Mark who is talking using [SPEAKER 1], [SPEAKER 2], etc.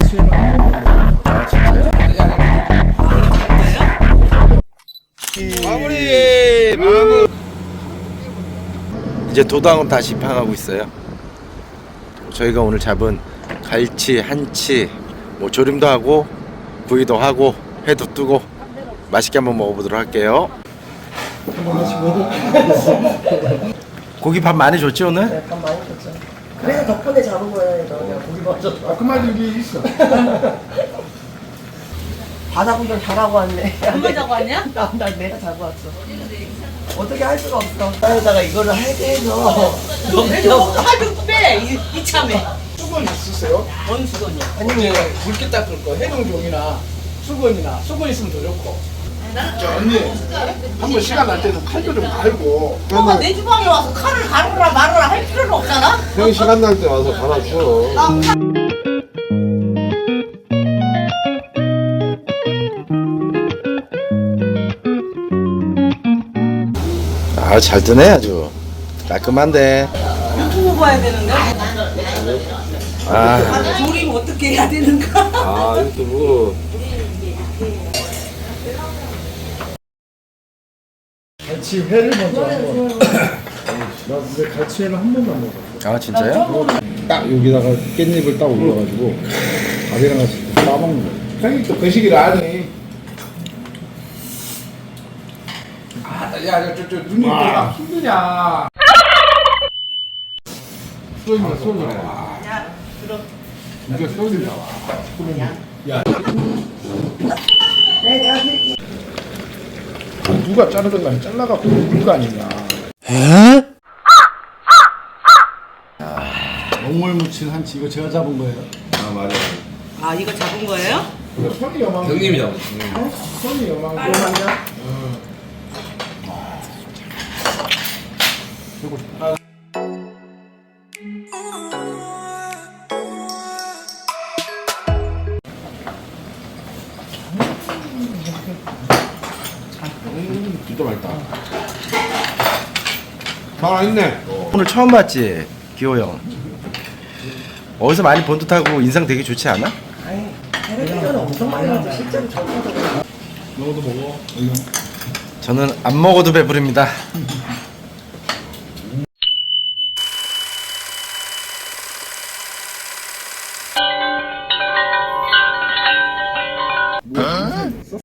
[SPEAKER 1] 갈치회는 한 번도 안 먹어요.
[SPEAKER 2] 아 진짜요? 마무리. 이제 도당은 다시 입항하고 있어요. 저희가 오늘 잡은 갈치, 한치, 뭐 조림도 하고 구이도 하고 회도 뜨고 맛있게 한번 먹어보도록 할게요. 고기 밥 많이 줬지 오늘?
[SPEAKER 3] 약간 많이 줬죠. 그래서 덕분에 잡은 거예요. 내가 고기 맞췄어.
[SPEAKER 1] 그 말이 이게 있어.
[SPEAKER 3] 바다 구경 잘하고 왔네.
[SPEAKER 4] 누가 자고 왔냐?
[SPEAKER 3] 나 내가 자고 왔어. 어떻게 할 수가 없어. 나에다가 이거를 하게 해서
[SPEAKER 4] 하도 빼 이참에
[SPEAKER 1] 수건 있으세요?
[SPEAKER 4] 뭔 수건이야?
[SPEAKER 1] 아니면 굵게 닦을 거 해동종이나 수건 있으면 더 좋고. 저 언니 한번 시간 날 때는 칼도 좀 갈고.
[SPEAKER 4] 너가 내 주방에 와서 칼을 가르라 말으라 할 필요는 없잖아?
[SPEAKER 5] 형 시간 날 때 와서 갈아줘.
[SPEAKER 2] 아 잘 뜨네 아주 깔끔한데.
[SPEAKER 4] 유튜브 봐야 되는데
[SPEAKER 2] 아
[SPEAKER 4] 조림 어떻게 해야 되는가?
[SPEAKER 5] 아 유튜브.
[SPEAKER 1] 갈치회를 먼저 한번. 나 근데 갈치회는 한 번도 안 먹었어.
[SPEAKER 2] 아 진짜요?
[SPEAKER 1] 딱 여기다가 깻잎을 딱 올려가지고 밥이랑 같이 싸먹는 거야. 형이 또 그 시기를 아니. 저 눈이 막 힘드냐. 쏘이냐. 이게 쏘이냐. 야. 누가 자르든 간에 잘라갖고 먹는 거 아니냐. 먹물 묻힌 한치 이거 제가 잡은 거예요.
[SPEAKER 5] 아 맞아.
[SPEAKER 4] 아 이거 잡은 거예요?
[SPEAKER 1] 손이 여망.
[SPEAKER 5] 형님이 잡았어.
[SPEAKER 1] 손이 여망.
[SPEAKER 5] 진짜 맛있다. 살아있네.
[SPEAKER 2] 오늘 처음 봤지 기호 형. 어디서 많이 본 듯하고 인상 되게 좋지 않아?
[SPEAKER 3] 아니 텔레비전은 엄청 많이 봤죠. 실제로 저보다
[SPEAKER 1] 너도 먹어.
[SPEAKER 2] 저는 안 먹어도 배부릅니다.